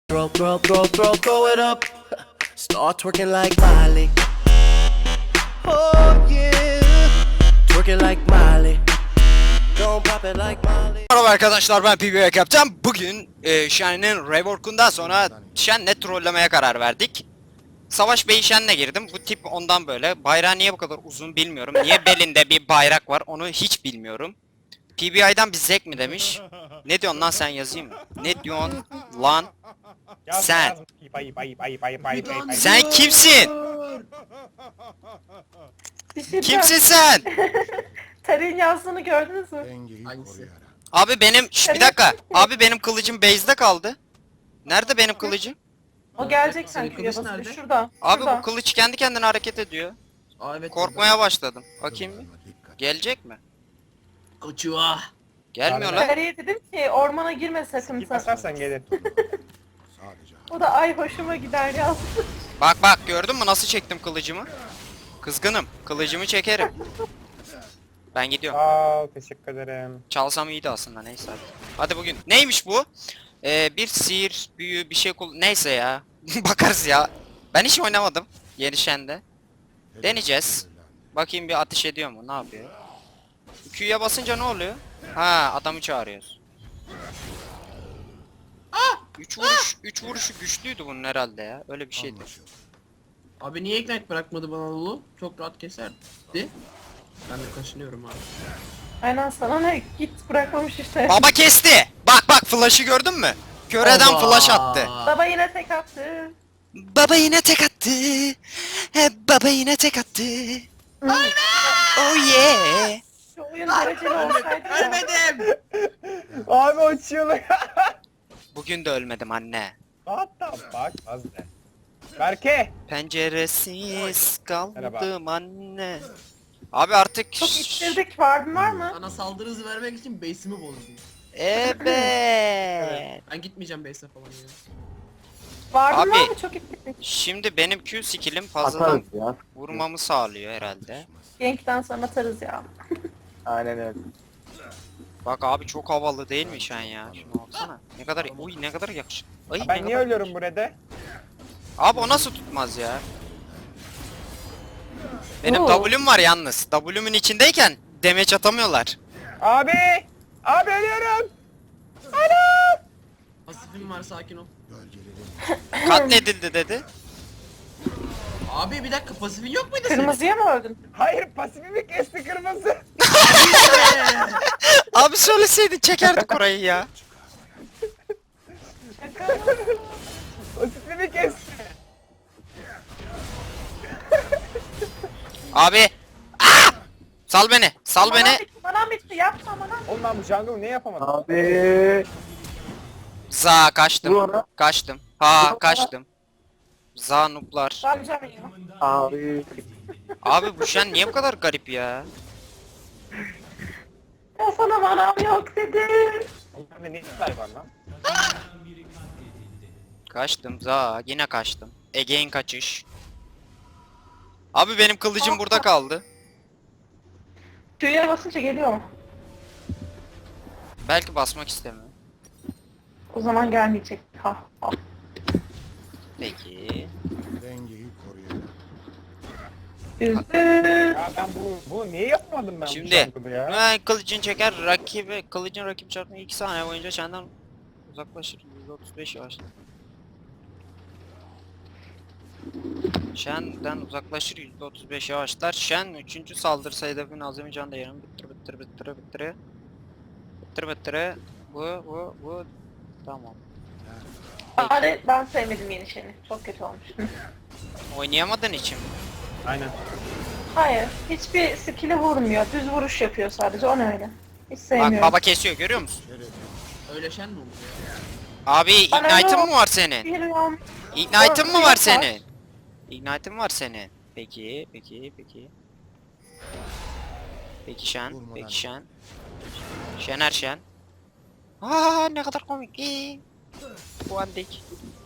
Throw it up. Start twerking like Miley. Oh yeah. Twerking like Miley. Don't pop it like Miley. Merhaba arkadaşlar, ben PBA Kaptan. Bugün Shen'in reworkundan sonra Shen'le trollemeye karar verdik. Savaş Bey Shen'le girdim. Bu tip ondan böyle. Bayrağı niye bu kadar uzun bilmiyorum. Niye belinde bir bayrak var onu hiç bilmiyorum. PBI'dan bir zek mi demiş. Ne diyorsun lan sen, yazayım mı? Ne diyorsun lan sen? Sen kimsin? Kimsin sen? Tarık'ın yazdığını gördünüz mü? Hangisi? Abi benim bir dakika. Abi benim kılıcım base'de kaldı. Nerede benim kılıcım? O gelecek Senin sanki kılıç basıyor. nerede? Şurada. Abi şurada. bu kılıç kendi kendine hareket ediyor. Aa evet. Korkmaya başladım. Bakayım bir. Gelecek mi? Kaçıyor. Gelmiyor lan. Tarık'a dedim ki ormana girme sakın sen. Basarsan gelir. O da ay hoşuma gider yazdı. Bak bak, gördün mü nasıl çektim kılıcımı? Kızgınım. Kılıcımı çekerim. Ben gidiyorum. Sağ ol, teşekkür ederim. Çalsam iyiydi aslında, neyse hadi. Hadi bugün. Neymiş bu? Bir sihir, büyü, bir şey neyse ya. Bakarız ya. Ben hiç oynamadım. Yeni Shen'de. Deneyeceğiz. Bakayım bir ateş ediyor mu? Ne yapıyor? Q'ya basınca ne oluyor? Ha, adamı çağırıyoruz. Üç vuruşu güçlüydü bunun herhalde ya. Öyle bir şeydi. Abi niye ignite bırakmadı bana Lulu? Çok rahat keserdi. Ben de kaşınıyorum abi. Aynen sana ne git bırakmamış işte. Baba kesti. Bak bak, flash'ı gördün mü? Köreden Oba! flash attı. Baba yine tek attı. Baba yine tek attı. Baba yine tek attı. Oh yeah. Şu oyun dereceli olsaydı ya. Ölmedim. Abi o çığlık. Bugün de ölmedim anne. Hatta bak az ne. Berke. Penceresiz Merhaba. kaldım anne. Abi artık Çok ittirdik. Vardın var mı? Sana saldırı hızı vermek için base'imi bozdum. Evet. Ben gitmeyeceğim base'e falan ya. Vardın Abi. var mı? Çok ittirdik. Şimdi benim Q skill'im fazladan vurmamı sağlıyor herhalde. Gank'ten sonra atarız ya. Aynen öyle. Bak abi, çok havalı değil mi Shen ya? Şuna baksana. Ne kadar, uy ne kadar yakışıklı. Ay, ne Ben niye kadar- ölüyorum burada? Abi o nasıl tutmaz ya? Benim Oo. W'm var yalnız. W'mun içindeyken damage atamıyorlar. Abi! Abi ölüyorum! Pasifim var, sakin ol. Katledildi dedi. Abi bir dakika, pasifin yok muydu senin? Kırmızıya mı öldün? Hayır, pasifimi kesti kırmızı. Abi söyleseydin çekerdik orayı ya. Pasifimi kesti. Abi. Aa! Sal beni. Sal beni. Manam bitti yapma manam. Oğlum ben bu jungle'ı niye yapamadım? Abi. Za kaçtım. Dur. Kaçtım. Ha kaçtım. Za nuplar. Ramcam ya. Abi. Abi bu Shen niye bu kadar garip ya? Ya sana manam yok dedim. Onlarda ne işler var lan? Kaçtım Za. Yine kaçtım. Again kaçış. Abi benim kılıcım burada kaldı. Q'ya basınca geliyor mu? Belki basmak istemiyor. O zaman gelmeyecek. Ha. Ha. Peki. Üzdü. Ya ben bunu niye yapmadım ben bu Şimdi jungle'ı ya? kılıcın çeker kılıcın rakip çarpma 2 saniye boyunca Shen'den uzaklaşır. %35 yavaşlar. Shen'den uzaklaşır, %35 yavaşlar. Shen 3. saldırısı hedefin azami can değerini bittir. Bu tamam. Bari ben sevmedim yeni şeyini. Çok kötü olmuş. Oynayamadığın için mi? Aynen. Hayır. Hiçbir skill'e vurmuyor. Düz vuruş yapıyor sadece. O ne öyle? Hiç Bak sevmiyorum. baba kesiyor, görüyor musun? Öyle şen mi oldu ya? Abi Bana ignite'ın yok. mı var senin? Bilmiyorum. Ignite'ın mı Yok, var yok. senin? Ignite'ın var senin. Peki. Peki Shen. Şener Şen. Aa ne kadar komik. Bu andik.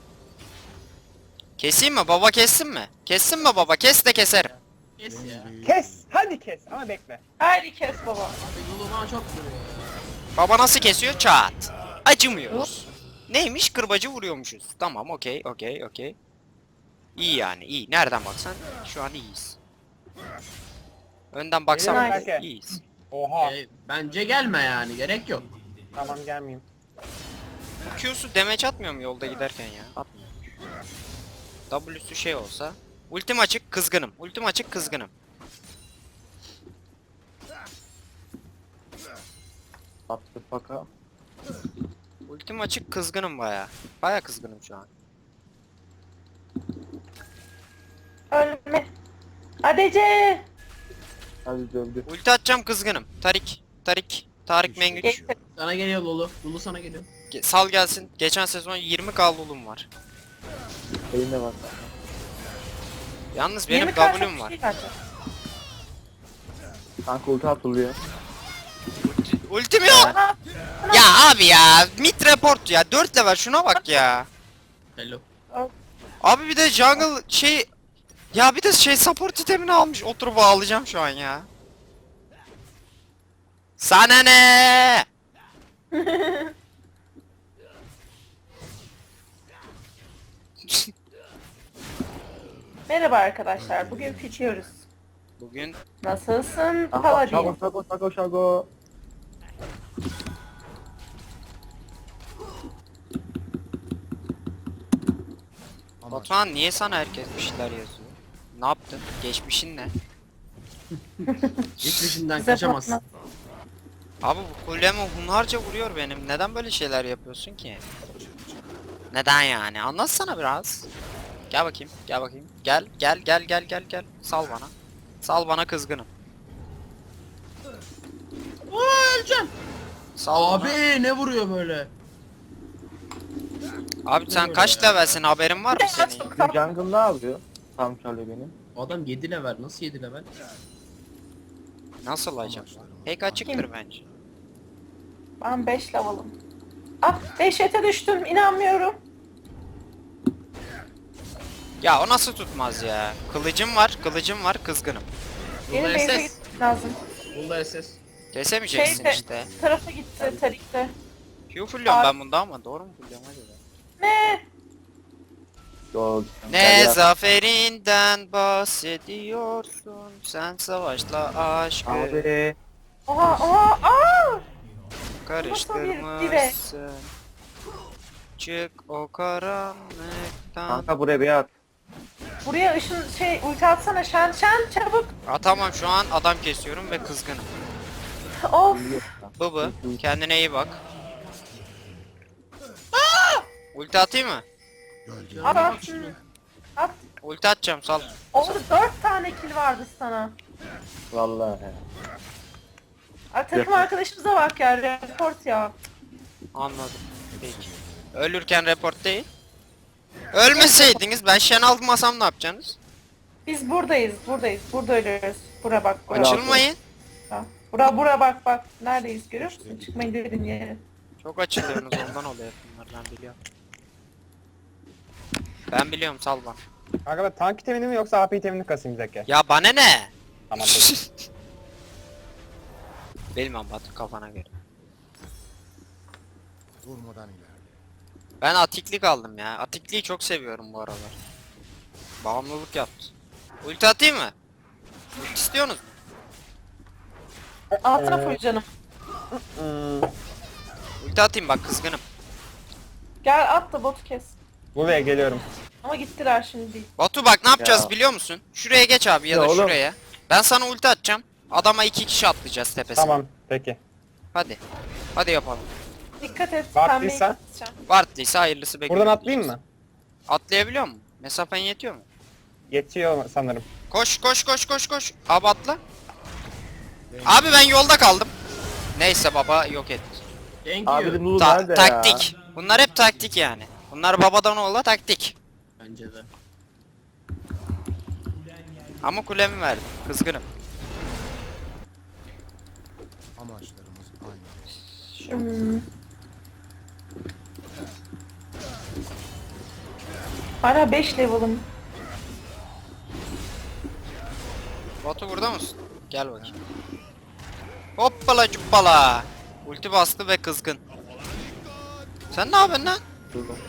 Keseyim mi? Baba kessin mi? Kessin mi baba? Kes de keserim. Kes ya. Kes! Hadi kes ama bekle. Haydi kes baba. Abi Lulu bana çok vuruyor ya. Baba nasıl kesiyor? Çat. Acımıyoruz. Neymiş? Kırbacı vuruyormuşuz. Tamam, okey, okey, okey. İyi yani, iyi. Nereden baksan şu an iyiyiz. Önden baksam Geliyorum bile belki. iyiyiz. Oha. Bence gelme yani, gerek yok. Tamam gelmeyeyim. Q'su damage atmıyor mu yolda giderken ya? Atmıyor. W'su şey olsa. Ultim açık, kızgınım. Ultim açık, kızgınım. Attı faka. Ultim açık, kızgınım baya. Baya kızgınım şu an. Ölme. ADC. Hadi döndü. Ulti atacağım, kızgınım. Tarık Mengüç. Geçti. Sana geliyor Lulu. Lulu sana geliyor. Sal gelsin. Geçen sezon 20k lulum var. Eline bak. Yalnız benim 20 karşı W'm bir var. şey bence. Kanka ulti atılıyor. Ultim yok. Aha, Ya abi ya. Mid report ya. 4 level şuna bak ya. Hello. Abi bir de jungle şey... Ya bir de şey support itemini almış. Oturup ağlayacağım şu an ya. Sana ne? Merhaba arkadaşlar. Bugün fitiyoruz. Bugün Nasılsın Aha, Paladin? şago. Batuhan niye sana herkes bir şeyler yazıyor? Ne yaptın? Geçmişin ne? Geçmişinden Bize kaçamazsın. patlat. Abi bu kulemi hunharca vuruyor benim. Neden böyle şeyler yapıyorsun ki? Neden yani? Anlatsana biraz. Gel bakayım, gel bakayım. Gel. Sal bana. Sal bana, kızgınım. Aa, öleceğim. Sal Abi bana. ne vuruyor böyle? Abi sen vuruyor kaç ya? levelsin, haberin var mı senin? Çok Bu tatlı. jungle ne yapıyor? Tam çalıyor benim. Adam 7 level. Nasıl 7 level? Nasıl acaba? Pek açıktır bence. Ben 5 level'ım. Ah, dehşete düştüm. İnanmıyorum. Ya o nasıl tutmaz ya? Kılıcım var, kızgınım. Benim Lulu base'e SS. gitmem lazım. Lulu SS. Kesemeyeceksin Şeyde, işte. tarafa gitti, Tarik'te. Q fulluyorum ben bunda ama doğru mu fulluyorum acaba? Ne? Yok. Ne zaferinden bahsediyorsun, sen savaşla aşkı Abi. Oha, aa! karıştırmışsın. Çık o karanlıktan. Kanka buraya bir at. Buraya ışın ulti atsana Şen çabuk. Atamam şu an, adam kesiyorum ve kızgınım. Of. Bıbı kendine iyi bak. Ulti atayım mı? At at. At. Ulti atacağım, sal. Orada 4 tane kill vardı sana. Vallahi. Ay, takım arkadaşımıza bak ya, report ya. Anladım. Peki. Ölürken report değil. Ölmeseydiniz ben Shen almasam ne yapacaksınız? Biz buradayız. Burada ölüyoruz. Bura bak, bura. Açılmayın. Ha. Bura bak. Neredeyiz görüyor musun? Çıkmayın dediğin yere. Çok açılıyorsunuz, ondan oluyor bunlar, ben biliyorum. Ben biliyorum, sal bana. Kanka ben tank itemini mi yoksa AP itemini kasayım Zeki? Ya bana ne? Tamam peki. Bilmem Batu, kafana göre. Durmadan ilerle. Ben atiklik aldım ya. Atikliği çok seviyorum bu aralar. Bağımlılık yaptı. Ulti atayım mı? Ulti istiyorsunuz mu? Altına full canım. Ulti atayım bak, kızgınım. Gel at da botu kes. Buraya geliyorum. Ama gittiler şimdi değil. Batu bak ne yapacağız Ya. biliyor musun? Şuraya geç abi ya Ya da oğlum. şuraya. Ben sana ulti atacağım. Adama 2 kişi atlayacağız tepesine. Tamam peki. Hadi. Hadi yapalım. Dikkat et. Baktıysa? pembeyi keseceğim. Vartlıysa hayırlısı bekliyorum. Buradan atlayayım mı? Atlayabiliyor musun? Mesafen yetiyor mu? Yetiyor sanırım. Koş. Abi atla. Abi ben yolda kaldım. Neyse baba yok et. Thank Abi you. Lulu nerede ya? Taktik. Bunlar hep taktik yani. Bunlar babadan oğula taktik. Bence de. Ama kulemi verdim. Kızgınım. Amaçlarımız aynı. Hala 5 level'ım. Batu burada mısın? Gel bakayım. Hoppala cuppala. Ulti bastı ve kızgın. Sen ne yapıyorsun lan? Dur bak.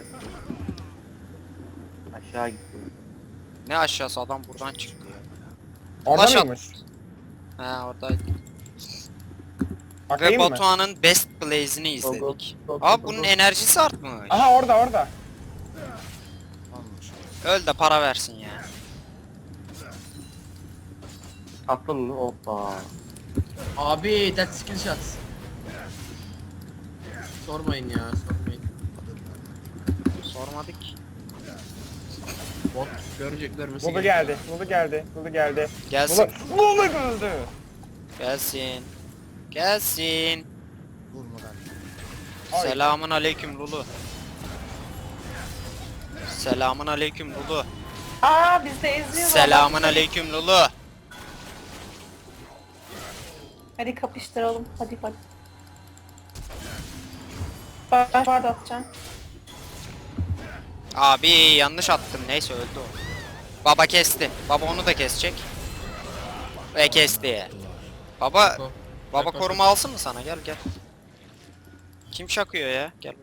Aşağı gitti. Ne aşağısı, adam buradan çıktı ya. Orada Ulaş at. mıymış? He oradaydı. Ve Bakayım mı? Batuhan'ın Best Blaze'ini izledik. Abi bunun enerjisi artmış. Aha orada orada. Anlaşıldı. Öl de para versin ya. Atlı hoppa. Abi that skill shots. Sormayın ya, sormayın. Sormadık. Bot görecek görmesi Lulu gerekiyor. geldi. Lulu geldi. Lulu geldi. Gelsin. Lulu öldü. Gelsin. Gelsin. Durmadan ileri. Ay. Selamun aleyküm Lulu. Selamun aleyküm Lulu. Aa biz de eziyorlar. Selamun aleyküm Lulu. Hadi kapıştıralım. Hadi hadi. Ben barda atacağım. Abi yanlış attım. Neyse öldü o. Baba kesti. Baba onu da kesecek. Ve kesti. Baba Bako. baba Bako. koruma alsın mı sana? Gel gel. Kim şakıyor ya? Gel.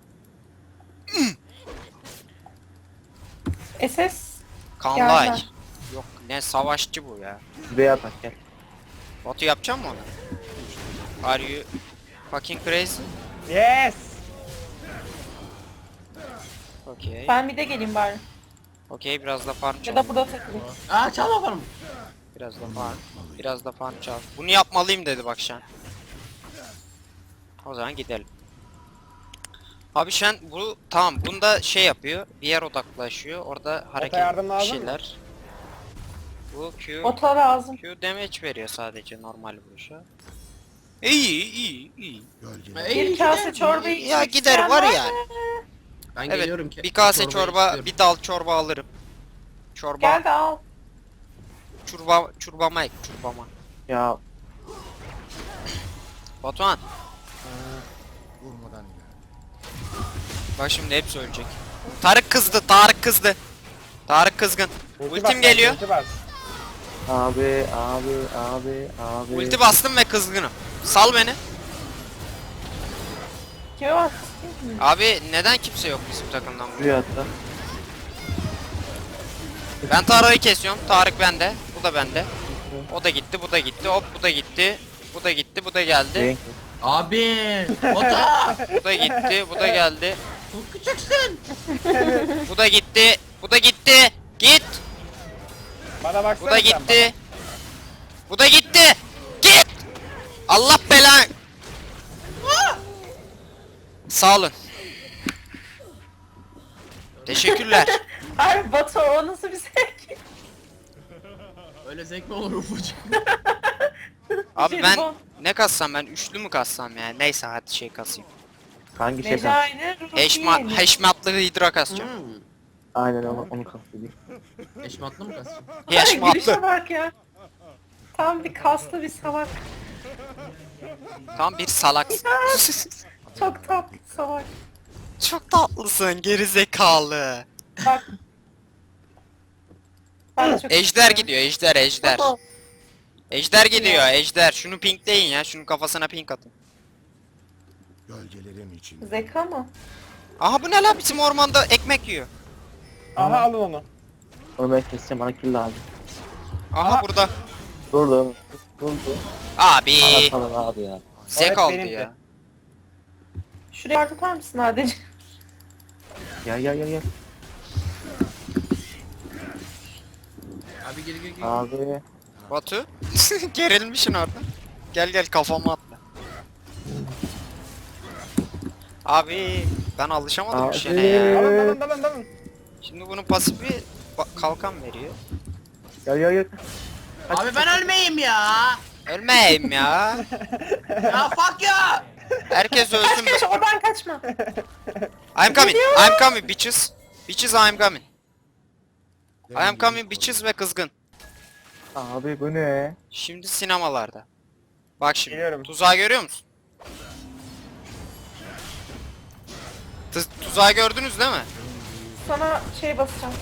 SS. Kanlay. Geldi. Yok ne savaşçı bu ya. Şuraya atak gel. Batu yapacak mı onu? Are you fucking crazy? Yes. Okay. Ben bir de geleyim bari. Okay biraz da farm Ya çal. da burada takılayım. Aa çalma farmı. Biraz da farm. Biraz da farm çal. Bunu yapmalıyım dedi bak Şen. O zaman gidelim. Abi Şen bu tamam bunda şey yapıyor. Bir yer odaklaşıyor. Orada hareket yardım bir lazım mı? şeyler. Bu Q Ota lazım. Q damage veriyor sadece normal vuruşa. İyi iyi iyi. Gölgeler. Ey, Bir kase gider. çorba Ya içmek gider isteyen var mı? yani. Ben Evet geliyorum ki. bir kase çorbayı çorba istiyorum. bir dal çorba alırım. Çorba Gel de al. çorbama ek çorbama. Ya Batuhan Durmadan ileri. bak şimdi hepsi ölecek. Tarık kızdı Tarık kızdı. Tarık kızgın. Ultim geliyor. Ulti bas. abi abi abi abi. Ulti bastım ve kızgınım. Sal beni. Kime bak? Abi neden kimse yok bizim takımdan? Şuraya atla. Ben Tarık'ı kesiyorum. Tarık bende. Bu da bende. O da gitti, bu da gitti. Hop bu da gitti. Bu da gitti, bu da geldi. Renk. Abi! Ota! Bu da gitti, bu da geldi. Çok küçüksün! Bu da gitti. Bu da gitti. Git. Bana baksana Bu da sen gitti. Bu da gitti. Git. Allah belanı. Sağ olun. Teşekkürler. Ay Batu o nasıl bir zevk? Öyle zevk mi olur ufacık? Abi ben Jelibon. ne kassam ben üçlü mü kassam yani neyse hadi şey kasayım. Hangi şey kaldı? Mecayne Ruhi. Heşmatlı hidra kasacağım. Aynen onu kastediyor. Eşmatlı mı kasın? Heşmatlı. Gülüşe bak ya. Tam bir kaslı bir salak. Tam bir salak. Çok tatlı salak. Çok tatlısın geri zekalı. Bak. Ben de çok Ejder istiyorum. gidiyor ejder. Batu, Ejder gidiyor ejder. Şunu pinkleyin ya şunun kafasına pink atın. Gölgelerin içinde. Zeka mı? Aha bu ne lan bizim ormanda ekmek yiyor. Aha alın onu. Onu ben keseceğim, bana kill lazım. Aha burada. Durdu. Durdu. Abi. Bana salın abi ya. Zek Evet, aldı benimki. ya. Şuraya yardım tutar mısın Adeci? Gel gel gel gel. Abi gel. Abi. Batu. Gerilmişsin orada. Gel gel kafama atla. Abi ben alışamadım bu şene ya. Dalın. Şimdi bunun pasifi kalkan veriyor. Gel gel gel. Abi ben ölmeyeyim ya! Ölmeyeyim ya. Ya fuck ya! Herkes ölsün. Kaç oradan kaçma. I'm coming bitches. Bitches I'm coming. I am coming bitches ve kızgın. Abi bu ne? Şimdi sinemalarda. Bak şimdi. Geliyorum. Tuzağı görüyor musun? Tuzağı gördünüz değil mi? Sana şey basacağım.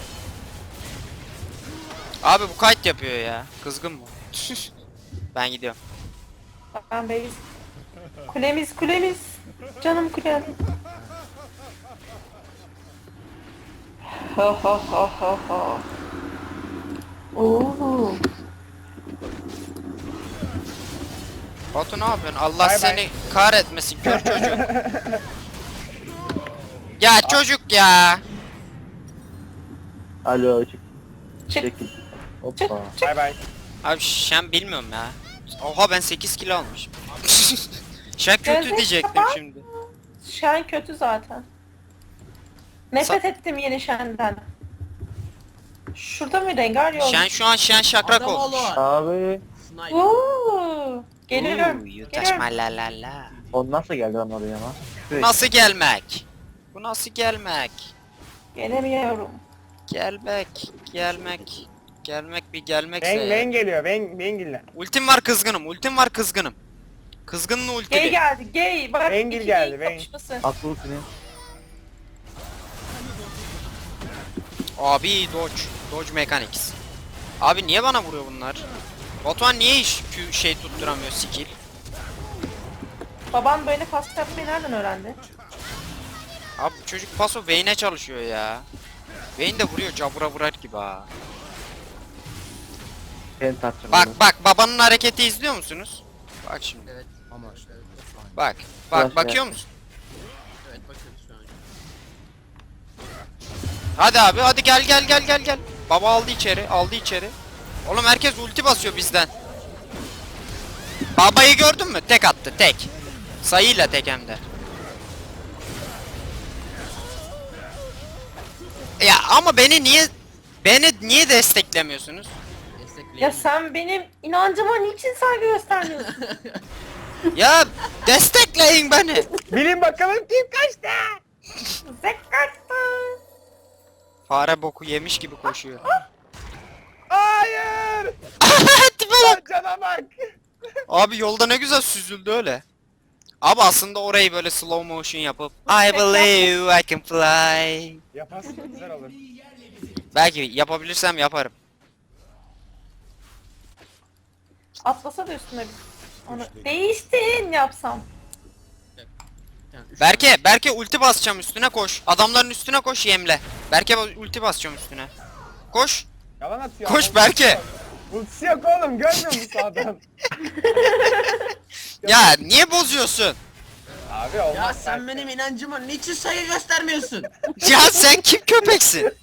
Abi bu kayıt yapıyor ya. Kızgın mı? Ben gidiyorum. Ben base. Kulemiz. Canım kulem. Ha ha ha ha ha. Oo. Batu ne yapıyorsun? Allah Bay seni bay. kahretmesin kör çocuk. Ya çocuk ya. Alo çık. Çık Çekil. çık Hoppa. çık. Bay bay. Abi şen bilmiyorum ya. Oha ben 8 kilo almışım. Şen kötü Gözleri diyecektim kapat. şimdi. Şen kötü zaten. Nefret ettim yeni Şen'den. Şurada mı rengar yok? Şen şu an şen şakrak Adam olmuş. oğlu. Abi. Sniper. Oo. Geliyorum. Ooh, you touch Geliyorum. my la la la. O nasıl geldi lan oraya lan? Bu nasıl gelmek? Bu nasıl gelmek? Gelemiyorum. Gelmek, gelmek. Gelmek bir gelmekse Ben, ya. ben geliyor. Ben geliyor. Ultim var kızgınım, ultim var kızgınım. Kızgının Gay ultili. geldi. Gay. Bak Rengil iki geldi, gay Reng. kapışması. Aklı senin. Abi dodge, dodge mechanics. Abi niye bana vuruyor bunlar? Batuhan niye hiç şey tutturamıyor skill? Baban böyle fast yapmayı nereden öğrendi? Abi bu çocuk paso Vayne'e çalışıyor ya. Vayne de vuruyor cabura vurar gibi ha. Sen tartışma. Bak babanın hareketi izliyor musunuz? Bak şimdi. Evet, Amaçlarımız aynı. Bak. Biraz Bakıyor ya. musun? evet bakıyoruz şu an. Hadi abi hadi gel. Baba aldı içeri. Oğlum herkes ulti basıyor bizden. Babayı gördün mü? Tek attı tek. Sayıyla tek hem de. Ya ama beni niye desteklemiyorsunuz? Destekleyelim. Ya sen benim inancıma niçin saygı göstermiyorsun? Ya destekleyin beni. Bilin bakalım kim kaçtı? Zekkattı. Fare boku yemiş gibi koşuyor. Hayır. Tipe bak. Cana bak. Abi yolda ne güzel süzüldü öyle. Abi aslında orayı böyle slow motion yapıp I believe I can fly. Yaparsın güzel olur. Belki yapabilirsem yaparım. Atlasa da üstüne bir. Onu değiştin yapsam. Yani üç Berke ulti basacağım üstüne koş. Adamların üstüne koş yemle. Berke ulti basacağım üstüne. Koş. Yalan atıyor. Koş Ultisi Berke. yok. Ultisi yok oğlum. Görmüyor musun adam? Ya niye bozuyorsun? Abi olmaz. Ya sen Berke. benim inancıma niçin saygı göstermiyorsun? Ya sen kim köpeksin?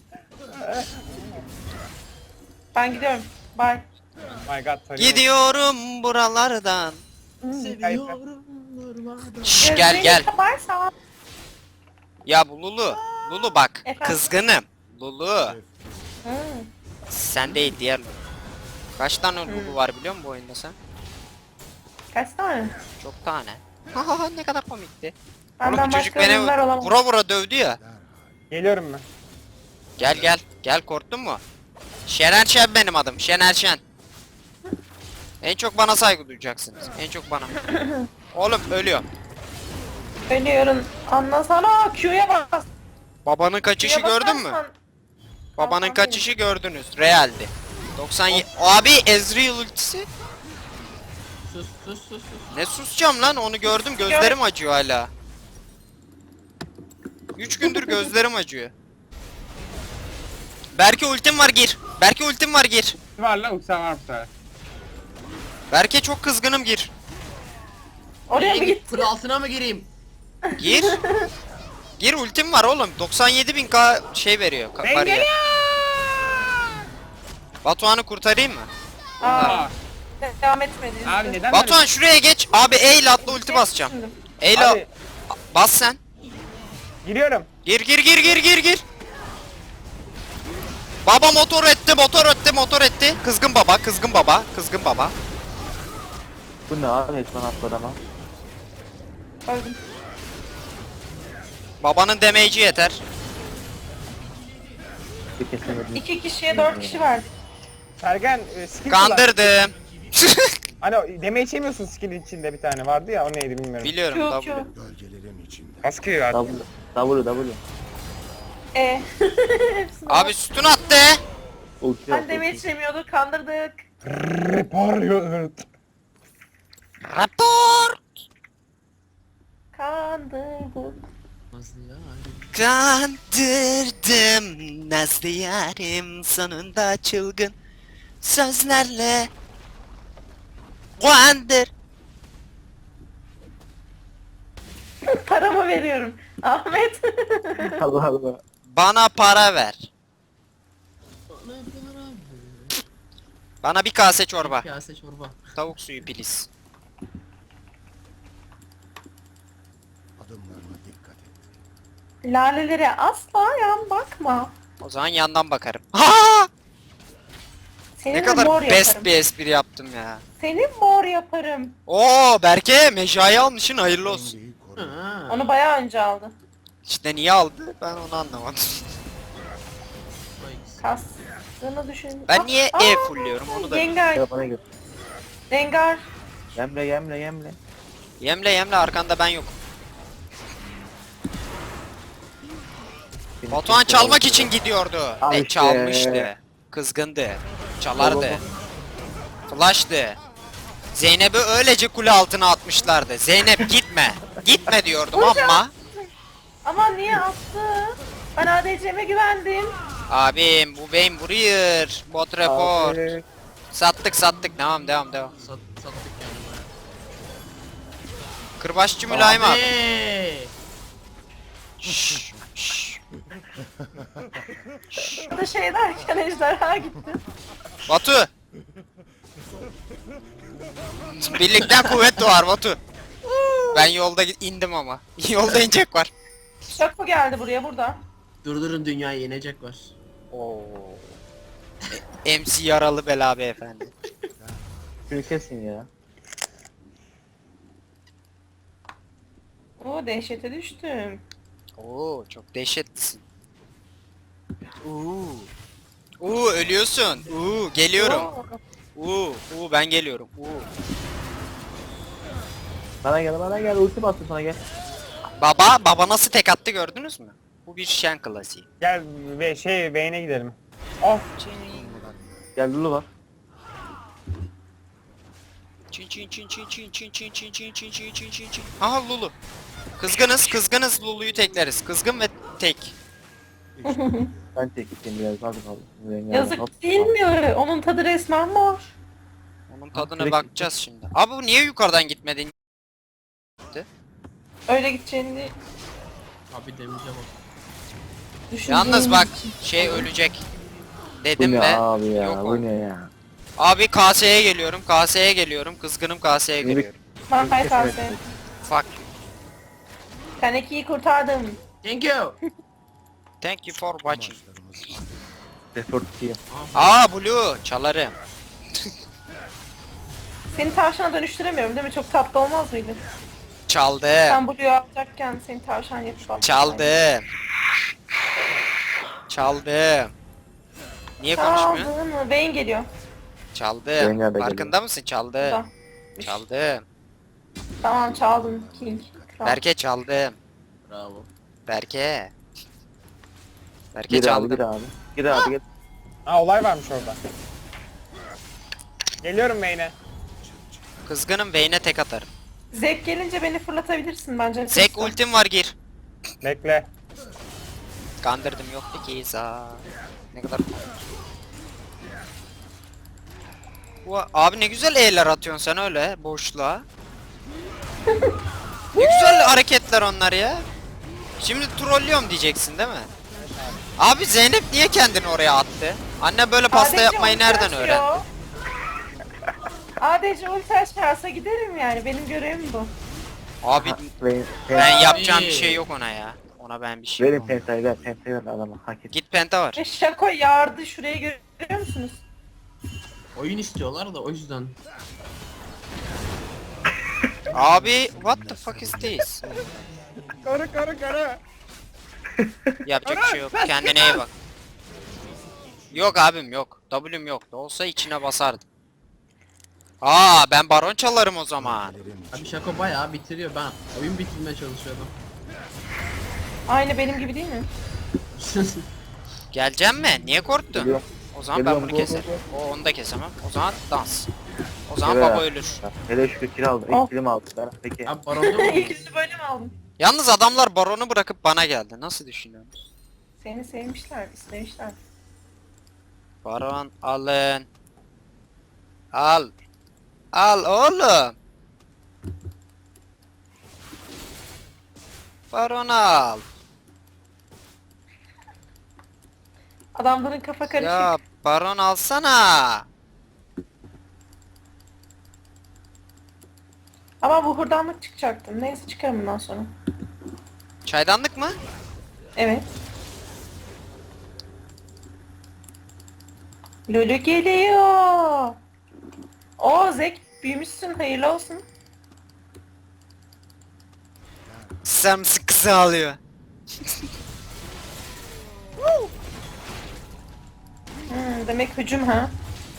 Ben gidiyorum. Bye. My god. tarıyor. Gidiyorum buralardan. Seviyorum durmadan. Şş, gel Gözlerini gel. kaparsan. Ya bu Lulu. Lulu bak. Efendim? Kızgınım. Lulu. Hı. Sen değil diğer Lulu. Kaç tane Lulu var biliyor musun bu oyunda sen? Kaç tane? Çok tane. Haha ne kadar komikti. Benden Oğlum çocuk başka beni ürünler olamaz. vura dövdü ya. Geliyorum ben. Gel korktun mu? Şener Şen benim adım. Şener Şen. En çok bana saygı duyacaksınız. En çok bana. Oğlum ölüyor. Ölüyorum. Anlasana Q'ya bas. Babanın kaçışı Q'ya gördün mü? basarsan- Babanın Tamam, kaçışı gördünüz. Realdi. 97. Abi Ezreal ultisi. Sus sus sus sus. Ne susacağım lan onu gördüm gözlerim acıyor hala. 3 gündür gözlerim acıyor. Berke ultim var gir. Berke ultim var gir. Var lan uçağım var bu sefer. Berke çok kızgınım gir. Oraya mı Nereye git? Kır altına mı gireyim? Gir. Gir ultim var oğlum. 97.000k şey veriyor. Ben Bariyer. geliyorum. Batuhan'ı kurtarayım mı? Aa, devam etmedi. Abi neden Batuhan şuraya geç. Abi E ile atla ulti basacağım. Şimdi. E ile Abi bas sen. giriyorum. Gir. Baba motor etti. Kızgın baba. Bu ne abi? Resmen atladı ama. Öldüm. Babanın damage'i yeter. Bir kesemedim. 2 kişiye 4 kişi verdik. Sergen skill kullan. Kandırdım. Hani deme içemiyorsun skill içinde bir tane vardı ya o neydi bilmiyorum. Biliyorum Q, W. Q. Bölgelerin içinde. Baskıyor artık. W. E. Hepsini Abi sütun attı. Ulti yok. Ben deme içemiyordu, kandırdık. Repar. Raptor. Kandırdık. Nasıl ya? Kandırdım nazlı yarim sonunda çılgın sözlerle kandır. Paramı veriyorum. Ahmet. Allah Allah. Bana para ver. Bana bir kase çorba. Kase çorba. Tavuk suyu please. Adımlarına dikkat et. Lalelere asla yan bakma. O zaman yandan bakarım. Ha! Senin Ne mor kadar best yaparım. bir espri yaptım ya. Senin mor yaparım. Oo Berke mecrayı almışsın hayırlı olsun. Dengeyi koru. Ha. Onu bayağı önce aldı. İşte niye aldı ben onu anlamadım. Vay. Kastığını düşün. Ben niye Aa, E fullüyorum onu da. Yengar. Gel bana gel. Rengar. Yemle yemle yemle. Yemle arkanda ben yok. Batuhan çalmak için gidiyordu. Al Ve işte. çalmıştı. Kızgındı. Çalardı. Flash'tı. Zeynep'i öylece kule altına atmışlardı. Zeynep gitme. Gitme diyordum Hocam. ama. Ama niye attı? Ben ADC'me güvendim. Abim bu beyin vuruyor. Bot report. Abi. Sattık. Devam. Sattık yani bayağı. Kırbaççı mülayim abi. Abi. Şşş, şşş. Burada şey derken ejderha gitti. Batu. Birlikten kuvvet doğar Batu. Ben yolda indim ama. Yolda inecek var. Şako geldi buraya burada. Durdurun dünyayı yenecek var. Oo. MC yaralı bela beyefendi. Şunu kesin ya. Oo dehşete düştüm. Oo çok dehşetlisin. Ölüyorsun. Geliyorum. Oo. Ben geliyorum. Bana gel ulti bastı sana gel. Baba nasıl tek attı gördünüz mü? Bu bir Shen klasiği. Gel ve beyne gidelim. Of. Gel Lulu var. Çin. Aha Lulu. Kızgınız Lulu'yu tekleriz. Kızgın ve tek. Ben tek gideyim biraz hadi kaldı. Yazık değil mi? Onun tadı resmen mor. Onun tadına Sürekli- bakacağız şimdi. Abi bu niye yukarıdan gitmedin? Öyle gideceğini Abi damage'e bak. düşündüğüm Yalnız bak için. şey ölecek. Bu Dedim ne ve abi ya yok bu oldu. ne ya. Abi KS'ye geliyorum. Kızgınım KS'ye Yürü. geliyorum. Ben kalsın. Fuck. Kaneki'yi kurtardım. Thank you. Thank you for watching. Amaçlarımız Report diye. Blue çalarım. Seni tavşana dönüştüremiyorum değil mi? Çok tatlı olmaz mıydı? Çaldım. Sen Blue'yu alacakken seni tavşan yapıp alacaktım. Çaldım. Niye konuşmuyor? Çaldın mı? Beyin geliyor. Çaldım. Zeynep de Farkında mısın? Çaldım. Burada. Çaldım. Tamam çaldım King. Kral. Berke çaldım. Bravo. Berke Gir abi çaldım. gir abi. Gir abi gir. Ha olay varmış orada. Geliyorum beyne. Kızgınım Vayne'e tek atarım. Zek gelince beni fırlatabilirsin bence. Zek ultim var gir. Bekle. Kandırdım yoktu ki za. Ne kadar Abi ne güzel E'ler atıyorsun sen öyle boşluğa. Ne güzel hareketler onlar ya. Şimdi trollüyorum diyeceksin değil mi? Abi Zeynep niye kendini oraya attı? Anne böyle pasta ADC yapmayı ulti nereden açıyor. öğrendi? ADC ulti açarsa giderim yani. Benim görevim bu. Abi Verin ben yapacağım bir şey yok ona ya. Ona ben bir şey verin yapamam. pentayı ver adama hak et. Git penta var. Ve Şako yardı. Şurayı görüyor musunuz? Oyun istiyorlar da o yüzden. Abi what the fuck is this? Karı. Yapacak bir şey yok. Kendine iyi bak. Yok abim yok. W'm yok. Olsa içine basardım. Ben baron çalarım o zaman. Abi Şako bayağı bitiriyor. Ben oyun bitirmeye çalışıyordum. Aynı benim gibi değil mi? Geleceğim mi? Niye korktun? Geliyorum. O zaman ben Geliyorum, bunu go, keserim. go, Onu da kesemem. O zaman dans. O zaman Evet. baba ölür. Hele şükür kill aldı. Oh. İlk kilim aldı. Ben peki. Abi baronda mı? İlk yüzü böyle mi aldın? Yalnız adamlar baronu bırakıp bana geldi. Nasıl düşünüyorsunuz? Seni sevmişler, istemişler. Baron alın. Al. Al oğlum. Baron al. Adamların kafa karışık. Ya baron alsana. Ama bu hurdanlık çıkacaktım. Neyse çıkarım bundan sonra. Çaydanlık mı? Evet. Lulu geliyor. Oo Zek büyümüşsün. Hayırlı olsun. Samsı kısa alıyor. Demek hücum ha.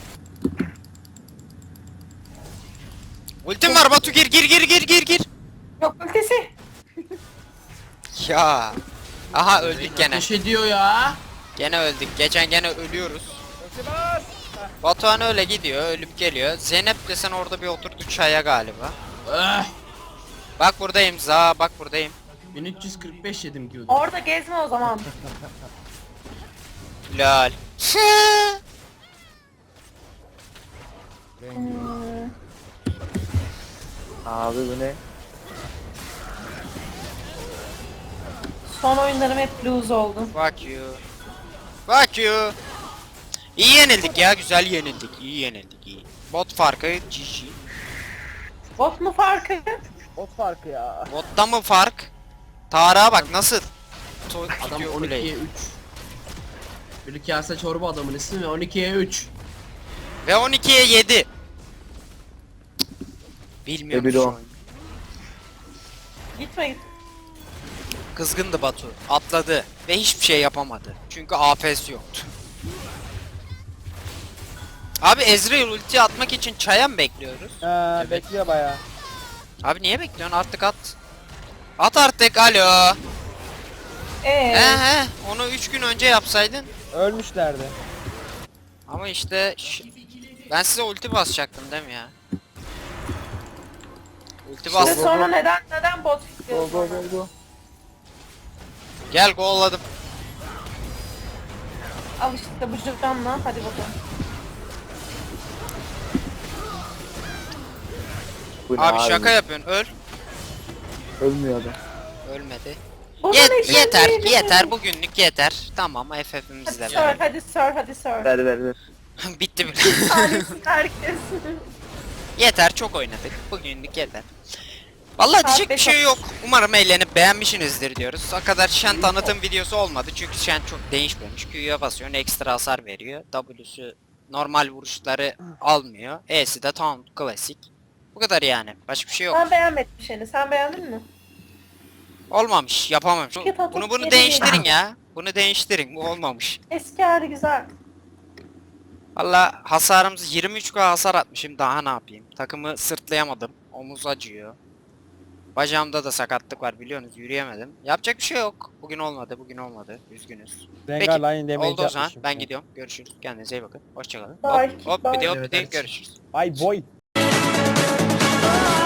Ultim var Batu, gir gir gir gir gir gir. Yok ultisi. Ya. Aha öldük gene. Ateş ediyor ya. Gene öldük. Gene ölüyoruz. Ulti bas. Batuhan öyle gidiyor, ölüp geliyor. Zeynep de sen orada bir oturdu çaya galiba. Eh. Bak buradayım za, bak buradayım. 1345 yedim diyordu. Orada gezme o zaman. Lol. Abi bu ne? Son oyunlarım hep lose oldu. Fuck you. Fuck you. İyi yenildik ya, güzel yenildik. İyi yenildik, iyi. Bot farkı GG. Bot mu farkı? Ot farkı ya. Botta mı fark? Tarık'a bak nasıl? Adam Tutuyor 12'ye kuleyi. 3. Bir kase çorba adamın ismi ve 12'ye 3. Ve 12'ye 7. Bilmiyorum Ve bir şu o. oyunu. Gitme git. Kızgındı Batu. Atladı ve hiçbir şey yapamadı. Çünkü AP'si yoktu. Abi Ezreal ulti atmak için çaya mı bekliyoruz? Bekliyor bayağı. Abi niye bekliyorsun? Artık at. At artık, alo. Onu 3 gün önce yapsaydın. Ölmüşlerdi. Ama işte ben size ulti basacaktım değil mi ya? Ulti İşte bas. sonra neden bot Go fikriyorsun? go go go. Gel golladım. Al işte bu cüzdanla hadi bakalım. Bu ne Abi şaka yapıyorsun, öl. Ölmüyor adam. Ölmedi. Bunun için Yeter değil. yeter, bugünlük yeter. Tamam FF'imiz Hadi de sor, var. hadi sor, hadi sor. Ver ver ver. Bitti bile. Tanesi herkes. Yeter, çok oynadık. Bugünlük yeter. Vallahi diyecek bir şey yok. Umarım eğlenip beğenmişsinizdir diyoruz. O kadar Shen tanıtım videosu olmadı. Çünkü Shen çok değişmemiş. Q'ya basıyorsun, ekstra hasar veriyor. W'su normal vuruşları almıyor. E'si de taunt klasik. Bu kadar yani. Başka bir şey yok. Ben beğenmedim seni. Sen beğendin mi? Olmamış, yapamamış. Yapamamış, Bunu geri değiştirin ya. Bunu değiştirin. Bu olmamış. Eski hali güzel. Valla hasarımız 23k hasar atmışım. Daha ne yapayım? Takımı sırtlayamadım. Omuz acıyor. Bacağımda da sakatlık var biliyorsunuz, yürüyemedim. Yapacak bir şey yok. Bugün olmadı. Üzgünüz. Rengar line damage Oldu o zaman. yapmışım. Ben gidiyorum. Görüşürüz. Kendinize iyi bakın. Hoşçakalın. Bye, Hop hop bye. bir de hop Evet, bir de evet. görüşürüz. Ay boy.